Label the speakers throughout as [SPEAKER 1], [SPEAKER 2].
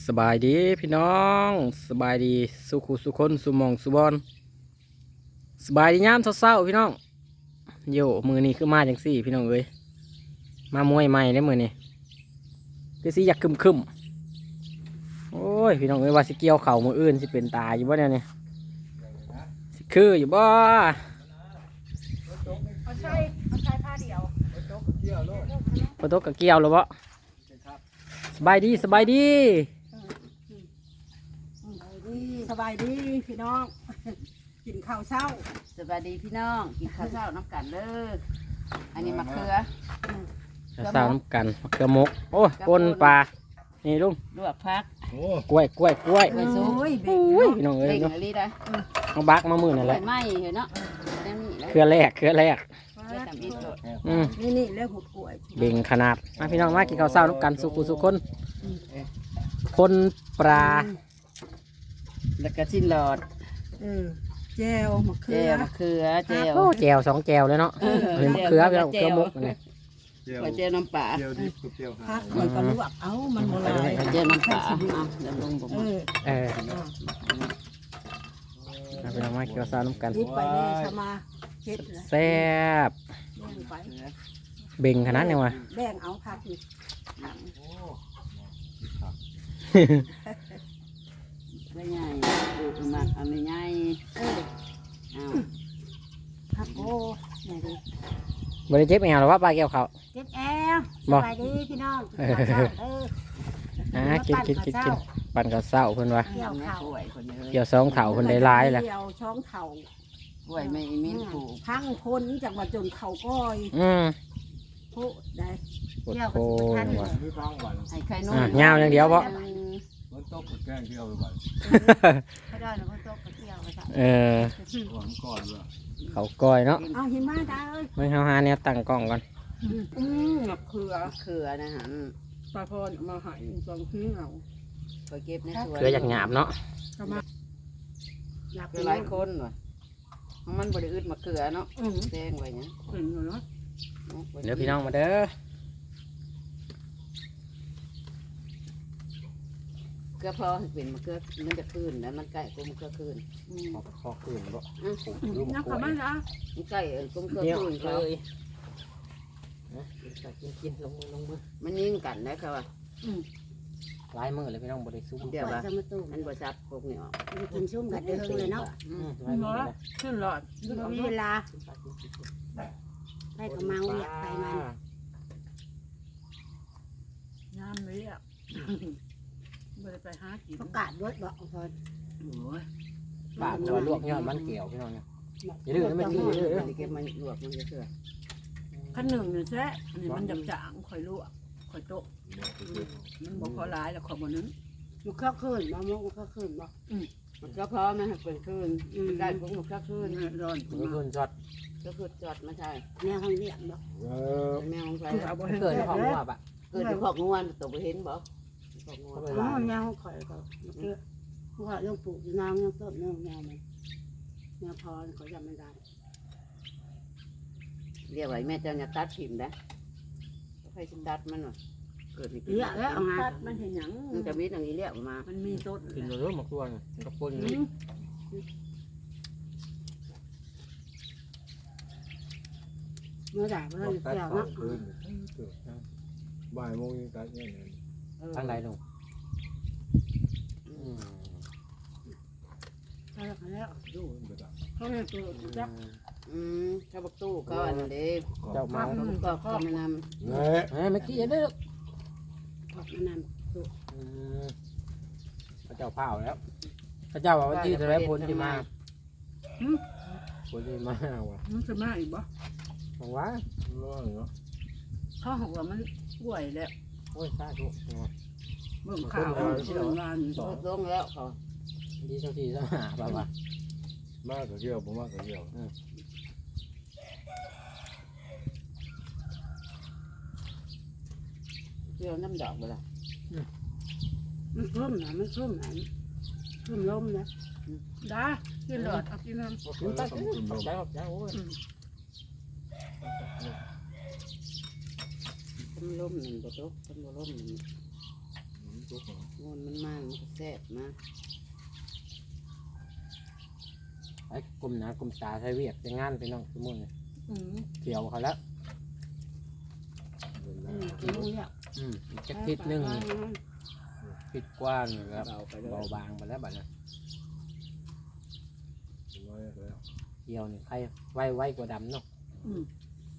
[SPEAKER 1] สบายดีพี่น้องสบายดีสุขุสุคนสุหมองสุบอนสบายดียามเศร้าๆพี่น้องโยมือนี้คือมาจังสี่พี่น้องเอ้ยมามวยใหม่ได้มือนี้คือสิอยากคึมโอ้ยพี่น้องเอ้ยว่าสิเกี่ยวเข่ามืออื่นสิเป็นตาอยู่บ่เนี่ยสิคืออยู่บ่
[SPEAKER 2] เอาใช้ผ้าเดียว
[SPEAKER 1] พอตกกับเกี่ยวหรือบ่สบายดีสบายดี
[SPEAKER 2] สบายดีพี่น้องกินข้าวเช้า
[SPEAKER 3] สวัสดีพี่น้องกินข้าวเช้าน้ำกันเด้ออันนี้มะเขือ
[SPEAKER 1] สาวน้ำกันมะเขือมกโอ้ยปนปลานี่ลุง
[SPEAKER 3] ลวกพัก
[SPEAKER 1] กล้วย
[SPEAKER 2] โอ้ย
[SPEAKER 1] อุ้ยพี่น้องเอ้ย
[SPEAKER 3] เล่ง
[SPEAKER 1] เนาะ
[SPEAKER 3] อะไรได้
[SPEAKER 1] เอาบักมามือนั่นแห
[SPEAKER 3] ใส่
[SPEAKER 1] ละ
[SPEAKER 3] ไม้เหรอเนาะนั่นนี่แล้ว
[SPEAKER 1] เครือแรก
[SPEAKER 3] เพื่อทำอีกโดด
[SPEAKER 2] นี่แล้วหุบกล้วย
[SPEAKER 1] เบ่งขนาดมาพี่น้องมากินข้าวเช้าน้ำกันสุกุสุคนคนปลา
[SPEAKER 3] แล้วก็ชิ้นหลอด
[SPEAKER 2] แจวมะเขื
[SPEAKER 3] เจ
[SPEAKER 2] อ
[SPEAKER 3] ลมะเขือเจล
[SPEAKER 1] โอ้แจวสองแจวเลยเนาะเห็นมะเขือพี่น้องมะเขือมกนี่
[SPEAKER 3] หัวเจลน้ำปลา
[SPEAKER 4] เจียวดิบกับเจียวหา
[SPEAKER 2] พักมันก็ลวกเอามันโบราณ
[SPEAKER 3] เจลน้ำปลาเอาเดี๋ยวลงผม
[SPEAKER 1] เออมาพี่น้องมากินข้าวเช้าน้ำกัน
[SPEAKER 2] นิดไปนี่ชมาเฮ็ดนะ
[SPEAKER 1] แซ่บ
[SPEAKER 2] แบ่งไป
[SPEAKER 1] เบ่งขนาดนี้วะ
[SPEAKER 2] แบ่งเอาพักนี่
[SPEAKER 3] ไม่ใหญ่ดูมักเอาไม่ใหญ่เอา
[SPEAKER 2] พักโอ้ไหนดิ
[SPEAKER 1] บริเจ็บเอวหรอว่าปลาเกี่ยวเขา
[SPEAKER 2] เจ็บแอลสบายดีพี่น้อง
[SPEAKER 1] กินปั่นข้าวเช้าเพิ่นว่า
[SPEAKER 2] เกี่ยวข้าว
[SPEAKER 3] กล้วยคนนี้
[SPEAKER 1] เกี่ยวสองเถาเพิ่นได้หลายแหละ
[SPEAKER 2] เกี่ยวช่องเข่าก
[SPEAKER 3] ล้วยไม่มิ้นผูก
[SPEAKER 2] พังคนจากมาจนเข่าก้อย โพได้
[SPEAKER 1] ปวดโคว่ะ
[SPEAKER 4] ไม่ฟังหวาน
[SPEAKER 3] ให้ไข่นุ่ม
[SPEAKER 1] ยาวอย่างเดียวบ่
[SPEAKER 4] มันต้มกับแกงเที่ยวไปหวาน
[SPEAKER 2] ไม่ได้แล้วก็โต๊ะกระเทียมไปจ้ะ
[SPEAKER 1] เออ
[SPEAKER 4] หวานก่อนด้วย
[SPEAKER 1] เขาก้อยเนาะ
[SPEAKER 2] เอาหิมะได้เอ้ย
[SPEAKER 1] ไม่เฮาหาแนวตั้งกล้องก่อน
[SPEAKER 2] มะเขือ
[SPEAKER 3] มะเขือนะฮะ
[SPEAKER 2] ปลาพรเอามาใหายสองชิ้นเอา
[SPEAKER 3] ไปเก็บในสวน
[SPEAKER 1] เกลืออยากหยาบเนาะ
[SPEAKER 2] เอามาอยาก
[SPEAKER 3] เกลือหลายคนว่ะมันบริอึดมะเขือเนาะแดงไว้เนี่ย
[SPEAKER 2] เห็นอยู่เนาะ
[SPEAKER 1] เดี๋ยวพี่น้องมาเด้อ
[SPEAKER 3] เกลือพอเป็นมะเขือมันจะคืนแล้วมันใกล้กุ้มเกลือคืน
[SPEAKER 1] ขอคืนบ่
[SPEAKER 2] นักขมันจ้ะ
[SPEAKER 3] มันใกล้กุ้มเกลือ
[SPEAKER 1] เดี๋ยว
[SPEAKER 3] คืน
[SPEAKER 1] เล
[SPEAKER 3] เลย
[SPEAKER 1] กินลงมือ
[SPEAKER 3] มันยิงกันนะครับว่า
[SPEAKER 1] หลายมือเลยพี่น้องบ่ได้ซุ่ม
[SPEAKER 3] เดี๋ยวว่ามันบริษัทพวกนี้ออก
[SPEAKER 2] กินชุ่มกันเด้อเลยเนาะ
[SPEAKER 1] หลายมือเลย
[SPEAKER 2] ขึ้นหลอดมีเวลาไปกับเมาอยากไปมันน้ำเลยอ่ะไปหากินประกาศด้วยบอกพร
[SPEAKER 3] โอ้ย
[SPEAKER 1] ปากตัวลวกยอดมันเกี่ยวพี่น้องเนี่ยอย่าดื้อนะไม่ดื้ออย่าดื้อ
[SPEAKER 3] มันเก็บมันลวกมันจะเถื่อ
[SPEAKER 2] ขั้นหนึ่งเนี่ยแซ่นี่มันจับจางคอยลวกคอยโต๊ะมันบอกขอร้ายแล้วขอบนนั้นมันก็ขึ้นมามองมันก็ขึ้นบอก
[SPEAKER 3] มันก็พร้อมนะเป็นคืนได้กุ้งมันก็คืน
[SPEAKER 2] ร้อน
[SPEAKER 1] มันคืนช็อต
[SPEAKER 3] ก็คือจอดมาใช่
[SPEAKER 2] แม่ข้างเรียกบอก
[SPEAKER 3] เป็นแมวของใคร
[SPEAKER 2] เอาบ่
[SPEAKER 1] เกิดของหัวปะ
[SPEAKER 3] เกิดขอกงวนตกไปเห็นบ่ขอกงวน
[SPEAKER 2] อ๋อแมวข่อยก็ว่ายังปลูกอยู่นางยังต้นแมวมันแมวพรเขาจำไม่ได้
[SPEAKER 3] เรียกไว้แม่เจ้าเนี่ยตัดถิ่มนะใครจะตัดมันวะเกิด
[SPEAKER 2] เรียกแล้วเอามามันเห็นหยัง
[SPEAKER 3] มันจะมีอย่างนี้เรียกมา
[SPEAKER 2] มันมีต้น
[SPEAKER 1] กินเรื่อยๆหมกตัวเนี่ยมันก็ปน
[SPEAKER 2] เมื่อไหร่เมื่อไหร่
[SPEAKER 4] ตัด
[SPEAKER 2] เกี่ยว
[SPEAKER 4] ข้าว
[SPEAKER 2] นะ
[SPEAKER 4] คืนบ่ายโมงยังตัดเนี่ย
[SPEAKER 1] ทางใดลง
[SPEAKER 2] แล้ว
[SPEAKER 4] ดูมันไปตัด
[SPEAKER 2] เขาเนี่ยตัวจัก
[SPEAKER 3] ข้าวบักตู้เขาอันนี้
[SPEAKER 1] เจ้ามา
[SPEAKER 3] ก็เขาไม่น
[SPEAKER 4] เนี่ย
[SPEAKER 1] เมื่อกี้อย่าดื้อ
[SPEAKER 2] ออกมานาน
[SPEAKER 1] พระเจ้าเผาแล้วพระเจ้าว่าวันที่จะได้ผลที่มาผลที่มาว่ะ
[SPEAKER 2] มันจะมาอีกบ่
[SPEAKER 1] บอกว่า
[SPEAKER 4] ร้อนเนาะ
[SPEAKER 2] เขาหัวมันป่วยแล้ว
[SPEAKER 1] โอ้ยสาธุ
[SPEAKER 2] เบิ่งข่าวเบิ่งงาน
[SPEAKER 3] ำลงแล้วเขา
[SPEAKER 1] ดีเท่าที่สหาป่าวะ
[SPEAKER 4] มากกับเที่ยวผมมากกับเที่ยว
[SPEAKER 3] เที่ยวน้ำดอกไปละ
[SPEAKER 2] มันคลุ้มนะมันคลุ้มนะคลุ้มลมนะได้กินหลอดเอากินน้ำ
[SPEAKER 1] กินตักขอบใจขอบใจโอ้ย
[SPEAKER 3] ต้นลมหนึ่งก็ตกต้นลมหนึ่ง
[SPEAKER 4] ตทุกข์
[SPEAKER 3] งูมันมามันก็แซ่บนะ
[SPEAKER 1] ไอ้กลมหนากลมตาใช้เวียกจะงานพี่น้องสมมุติ
[SPEAKER 2] อืม
[SPEAKER 1] เกี่ยวเขาแล้ว
[SPEAKER 2] กินเนี่ย
[SPEAKER 1] อีกจักทิศหนึงทิศกว้างครับ
[SPEAKER 3] เบาไปเลย
[SPEAKER 1] เบาบางไปแล้วบัดนี้
[SPEAKER 4] น้อยแล้ว
[SPEAKER 1] เกี่ยวนี่ใครไวกว่าดำเนาะ
[SPEAKER 2] อืม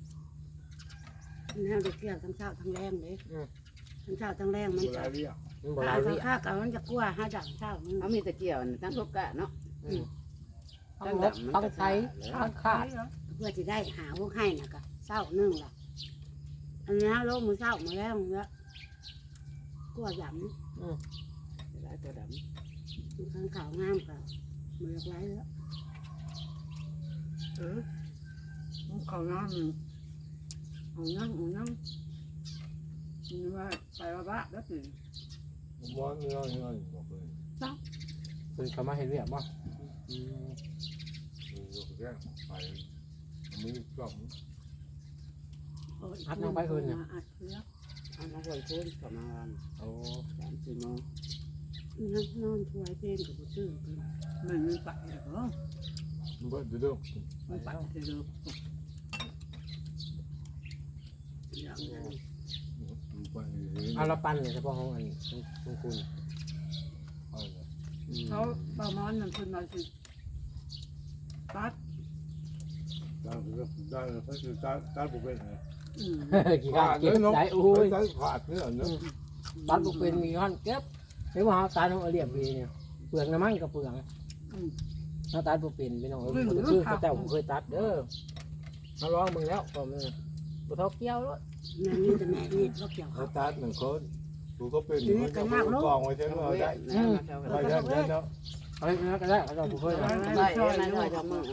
[SPEAKER 5] มันเอาไปเกี่ยวทั้งเช้าทั้งแรงเลยทั้งเช้าทั้งแรงมัน
[SPEAKER 4] ดูแล
[SPEAKER 5] จะ
[SPEAKER 4] เรียก
[SPEAKER 1] มันโบ
[SPEAKER 5] ถ้า
[SPEAKER 1] ราณ
[SPEAKER 5] เอา
[SPEAKER 1] นี่
[SPEAKER 5] ข้าวกับมันจะกลัวห้าดังเช้ามัน
[SPEAKER 3] เอามีตะเกียบนี่ตั้งทุกกะเนาะ
[SPEAKER 1] ทั้งรถทั้งไทยทั้งขาด
[SPEAKER 5] เพื่อจะได้หาพวกให้น่ะก็เช้านึ่งล่ะอันนี้ฮะโลกมือเช้ามือแรงแล้วกลัวหย
[SPEAKER 3] หลายตัวด
[SPEAKER 5] ำข้างขาวงามกับมือไรแล้ว
[SPEAKER 2] เขาน้ำมันเอาน้ำมันว่าไปว่าบ้าแล้วสิ
[SPEAKER 4] มอนเนื้อบอกเลย
[SPEAKER 1] คือเขามาเห็นเวียกบ่
[SPEAKER 4] ยกแก้ไปมือกล่อง
[SPEAKER 1] อัดน้องไปคืนเนี่ย
[SPEAKER 2] อัดเพื่อ
[SPEAKER 3] ำเอามาไว้คืนประมาณ
[SPEAKER 1] โอ้
[SPEAKER 3] 3-4 โมง
[SPEAKER 5] นอนถวายเพลงกับตื่น
[SPEAKER 2] มันไม่ไปเหรอ
[SPEAKER 4] มันก็จะเริ่ม
[SPEAKER 2] ไม่ไปจะเลิก
[SPEAKER 5] อย่างนั้น
[SPEAKER 4] ไป
[SPEAKER 1] เอาละปั้นเลยเฉพาะของอันของคุณ
[SPEAKER 2] เขาประมาณนั้นคนมาสิตัด
[SPEAKER 4] ได้ก็คือการบุกเป็นไง
[SPEAKER 2] อืม
[SPEAKER 1] กี่การเก็บได้โอ้ย
[SPEAKER 4] การขาดเนื้อเนาะ
[SPEAKER 1] ตัดบุกเป็นมีขั้นเก็บไม่ว่าเขาตัดของเรียบดีเนี่ยเปลือกน้ำมันกับเปลือก
[SPEAKER 2] อืม
[SPEAKER 1] เขาตัดบุกเป็นพี่น้องคือเขาเจ้าผมเคยตัดเด้อเขาลองมึงแล้วผมบุเท่าเกี้ยวแล้ว
[SPEAKER 5] แม่นี่แต่แม่นี่ก็เกี่ยว
[SPEAKER 4] เขา
[SPEAKER 5] เขา
[SPEAKER 4] ตัดหนึ่งคนกูก็เป็นมันจะกองไว้ใช่ไหมได้
[SPEAKER 3] ไป
[SPEAKER 4] ไปได้เนาะ
[SPEAKER 1] เอาไปก็ได้เขาเจ้าผมเคย
[SPEAKER 3] ได้ได้ได้ทำมือ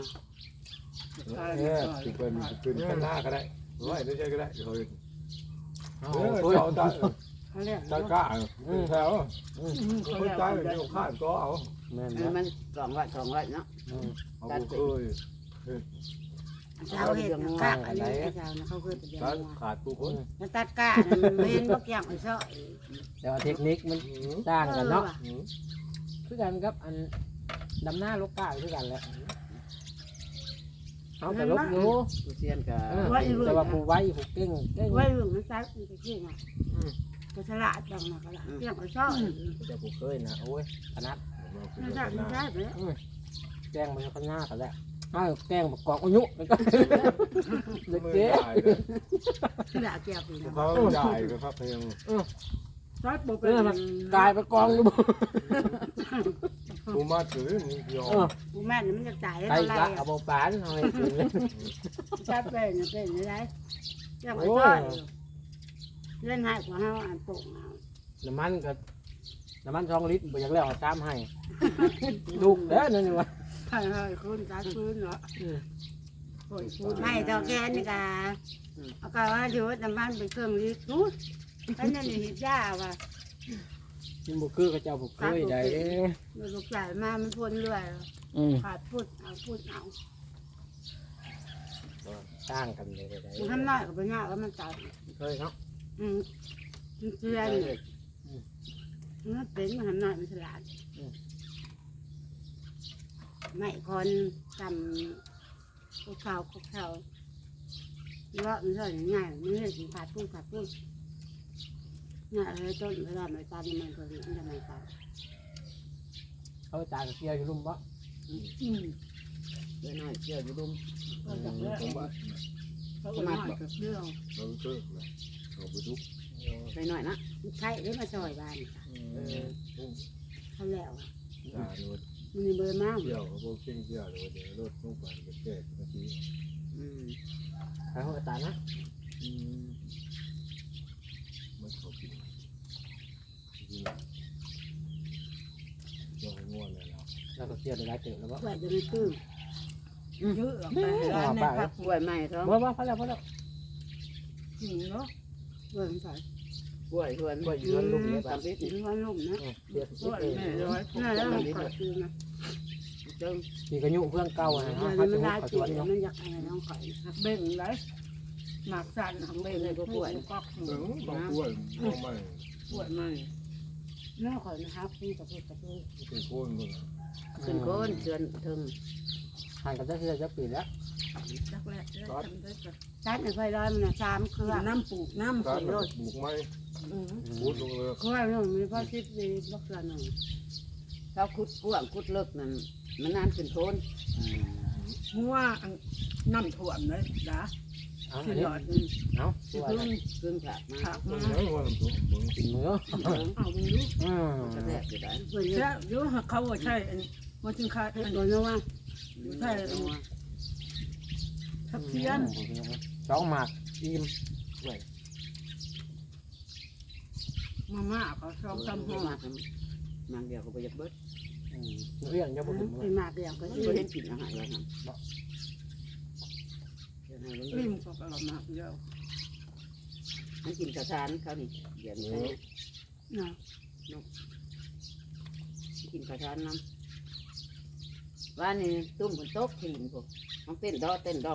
[SPEAKER 4] ติดเป็นข้างหน้าก็ได้ไว้ได้ใช่ก็ได้เฮ้ย
[SPEAKER 1] เอา
[SPEAKER 4] เอาตัด
[SPEAKER 5] เขาเรียก
[SPEAKER 4] ตัดก้าแถว
[SPEAKER 2] เขา
[SPEAKER 4] คน
[SPEAKER 2] เรียก
[SPEAKER 4] ใจเดี๋ยวข้านก็เอา
[SPEAKER 1] แม่น
[SPEAKER 3] มัน2 ไร่เนาะ
[SPEAKER 4] เอาเคย
[SPEAKER 5] เช้าเห็ดกะอันนี้เช้านะเขาเคยไปเรียน
[SPEAKER 4] ตัด
[SPEAKER 5] มา
[SPEAKER 4] ขาดกูคน
[SPEAKER 5] แล้วตัดก้ามันเห็นพวกอย่างไอ้ซ้อ
[SPEAKER 1] แต่ว่าเทคนิคมันต่างกันเนาะคือกันครับอันดำหน้าลกกาคือกันแหละเอาแต่ลกอยู่
[SPEAKER 3] ผู้เซียนก็
[SPEAKER 1] แต่ว่าผู้ไว้ผู้เก่งเก่ง
[SPEAKER 5] ไว้ลุงมันซักมันจะขี้อ่ะก็ฉลาดจังนะก็ละเกี่ยงไอ้ซ้อ
[SPEAKER 1] แต่ผู้เคยนะโอ้ยขนาด
[SPEAKER 5] มันได้มันได้ไปแล้ว
[SPEAKER 1] แกงมันข้างหน้ากันแหละอ้าวแกงประกอบอายุแล้วก็เด็ก
[SPEAKER 4] ไม่
[SPEAKER 1] เก๋
[SPEAKER 4] ได้เลย
[SPEAKER 5] ฉลาดเกี่ยวไปแล้ว
[SPEAKER 4] เขาใหญ่ก็ครับเพลง
[SPEAKER 2] ตัดบุก
[SPEAKER 1] เออมันกลายเป็นกองดูบ่
[SPEAKER 4] กูมาถือมึงยอม
[SPEAKER 5] กูแม่เนี่ยมันจะจ่าย
[SPEAKER 1] ไก่
[SPEAKER 5] อะไร
[SPEAKER 1] กะเอาปานเอาให้กินเลย
[SPEAKER 5] จับเป็นอะไรเกี่ยงไอ้ซ้อเล่นให้กว่าห้าอันโป่งเอา
[SPEAKER 1] น้ำมัน2 ลิตรบ่อยากแล้วตามให้ลูกเด้อนั่นนี่วะ
[SPEAKER 5] ให้คุณตาคืนเหรอ
[SPEAKER 2] โอ้ยพูด
[SPEAKER 5] ให้ดอกแกนี่กะเอาก็ว่าอยู่น้ำมันเป็นเครื่องรีดทุกท่านนั่นนี่หิบยาว่ะ
[SPEAKER 1] มันบ่คือเขาเจ้าบ่เคยได้
[SPEAKER 5] ลูกใหญ่มามันพ่นเรื่อย ขาดพูดเอา
[SPEAKER 1] ต่างกันเลยได้
[SPEAKER 5] มันทำน้อยกับปัญญาแล้วมันตัด
[SPEAKER 1] เคยเนาะ
[SPEAKER 5] มันเชื่อนี่มันเป็นมันทำน้อยมันฉลาดไม่คนทำคุกเข่าเลาะมันเท่าง่ายมันเลยถึงขาดพูดเนี่ยเลยต้นเวลาไม่ตัดมันก็มันจะไม่ตัด
[SPEAKER 1] เขาตากเกี่ยวอยู่ลุ่มบ่
[SPEAKER 3] เดี๋ยวน้อยเชื่ออยู่ดุม
[SPEAKER 2] ก็จากแรก
[SPEAKER 4] ผมว่า
[SPEAKER 2] เขาก็มากับเรื่อง
[SPEAKER 4] เราเลิกเลยเราไปทุก
[SPEAKER 3] ไปหน่อยนะ
[SPEAKER 5] มันใช่ได้มาซอยบ้านเขาแล้ว
[SPEAKER 4] ด่าโดน
[SPEAKER 5] มันมีเบอร์มาก
[SPEAKER 4] เที่ยวเขาบอกเก่งเที่ยวเลยเดี๋ยวรถต้องไปกับแก่นาที
[SPEAKER 1] ใครเขาตานะ
[SPEAKER 4] มันเขากินจริงเราให้ง่วงเลยเรา
[SPEAKER 1] แล้วก็เกี่ยวได้เติบแล้วบ่
[SPEAKER 5] แหวนจะไม่ตื้อ
[SPEAKER 2] เยอะไปร้านในพัก
[SPEAKER 3] กล้วยไม้ท้อง
[SPEAKER 1] บ่พอแล้ว
[SPEAKER 2] จริงเนาะ
[SPEAKER 5] เบอร์ใส่
[SPEAKER 3] กล้วยชวน
[SPEAKER 1] ก็ยืนลุ่มเลย
[SPEAKER 3] ตามที่
[SPEAKER 5] ถึงวันลุ่มนะ
[SPEAKER 1] เดี๋ยว
[SPEAKER 2] ก็แม่ร้อย
[SPEAKER 5] น่าแล้วมันขอคืนนะ
[SPEAKER 3] เจ้า
[SPEAKER 1] ที่กระยุเพื่อนเก่านะ
[SPEAKER 5] เดี๋
[SPEAKER 1] ฮะ
[SPEAKER 5] ยว
[SPEAKER 1] เขา
[SPEAKER 5] มั
[SPEAKER 1] จะ
[SPEAKER 5] น
[SPEAKER 1] มุ
[SPEAKER 5] ได้
[SPEAKER 1] กเขาส
[SPEAKER 5] จิ
[SPEAKER 1] วน
[SPEAKER 5] ต
[SPEAKER 1] เนาะ
[SPEAKER 5] มันอยากอะไรน้องข่อย
[SPEAKER 2] หักเบ่งไรหมากสั่นหักเบ่งเลยก็ปวดก็
[SPEAKER 4] ต้องกล้วยมองไม่
[SPEAKER 2] ปวดมัน
[SPEAKER 5] เนื้อข่อยนะครับพี่กับพี่กับพี่
[SPEAKER 4] เป็นคนคน
[SPEAKER 3] ขึ้นโคนเชือนถึง
[SPEAKER 1] ห่างกันจะจะปีแล้ว
[SPEAKER 2] จักแรกได้ทำได้ก็
[SPEAKER 5] จัดในไฟร้อยมันนะ3 เครือ
[SPEAKER 2] น้ำปลูกน้ำ
[SPEAKER 4] กา
[SPEAKER 2] ใส่
[SPEAKER 4] ร
[SPEAKER 2] รถ
[SPEAKER 4] ปลูกไม้
[SPEAKER 2] อืม
[SPEAKER 4] พูดลงเลย
[SPEAKER 5] เครือนึงมีพอ10ดีบ่เครือนึง
[SPEAKER 3] เขาขุดกว้างขุดเลิกนั่นมันนานขึ้นโคน
[SPEAKER 2] หัวน้ำท่วมเลยจ้ะ
[SPEAKER 1] เอา
[SPEAKER 2] สิหลอด
[SPEAKER 1] เอา
[SPEAKER 3] สิพึ่งพึ่งผักมา
[SPEAKER 2] ผัก
[SPEAKER 4] ต้
[SPEAKER 2] มาน
[SPEAKER 4] ไม้วันตัวมึง
[SPEAKER 1] กินมือ
[SPEAKER 2] เอาไปดู
[SPEAKER 3] กระแทกอยู่ได้
[SPEAKER 5] เพิ่น
[SPEAKER 2] แช่เดี๋ยวเขาว่าใช่มันจึงขาด
[SPEAKER 5] เพิ่นบ่รู้ว่า
[SPEAKER 2] ทับเทียน
[SPEAKER 1] สองหมากอิ่ม
[SPEAKER 2] มาม่าเขาชอบทำห่อ
[SPEAKER 3] มางเดียวก็ไปยับเบิด
[SPEAKER 1] เรื่องจะบ่ถึง
[SPEAKER 5] เป็นมากเดียวก็
[SPEAKER 3] ก็
[SPEAKER 5] อี
[SPEAKER 3] เห็นกินอาหารแล้วนะเดี๋ยวให้มัน
[SPEAKER 2] ริมก็กระมาเดียว
[SPEAKER 3] มันกินกระชานเขานี่เดี๋ยวนี้
[SPEAKER 5] เนาะ
[SPEAKER 3] กินกระชานน้ำว่านี่ตุ้มฝนตกถิ่นพวกมันเต้นดอเต้นดอง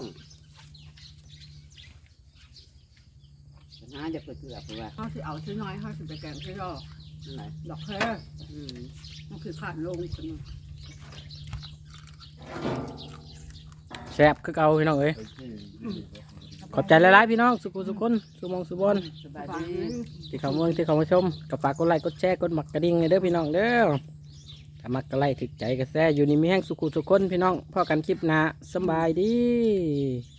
[SPEAKER 3] ปัญหาจะเกิดเกือบเพราะว่า
[SPEAKER 2] เขาสิเอาชิ้นน้อยเขาสิไปแกงชิ้นรอ
[SPEAKER 3] อะไร
[SPEAKER 2] ดอกแค่
[SPEAKER 3] ม
[SPEAKER 2] มันคือขาดลงคนนึง
[SPEAKER 1] แซ่บคือเก่าพี่น้องเอ้ย
[SPEAKER 4] ไอ้ที่
[SPEAKER 1] ขอบใจหลายๆพี่น้องสุขุสุคนสุมองสุบอน
[SPEAKER 3] สบาย
[SPEAKER 2] ฟัง
[SPEAKER 3] ดี
[SPEAKER 1] ที่เขาเมืองที่เขามาชมก็ฝากกดไลค์กดแชร์กดหมักกระดิ่งให้เด้อพี่น้องเด้อถ้ามักกระไลค์ถึกใจกระแซอยู่นี่มีแห้งสุขุสุคนพี่น้องพอกันคลิปหน้าสำบายดี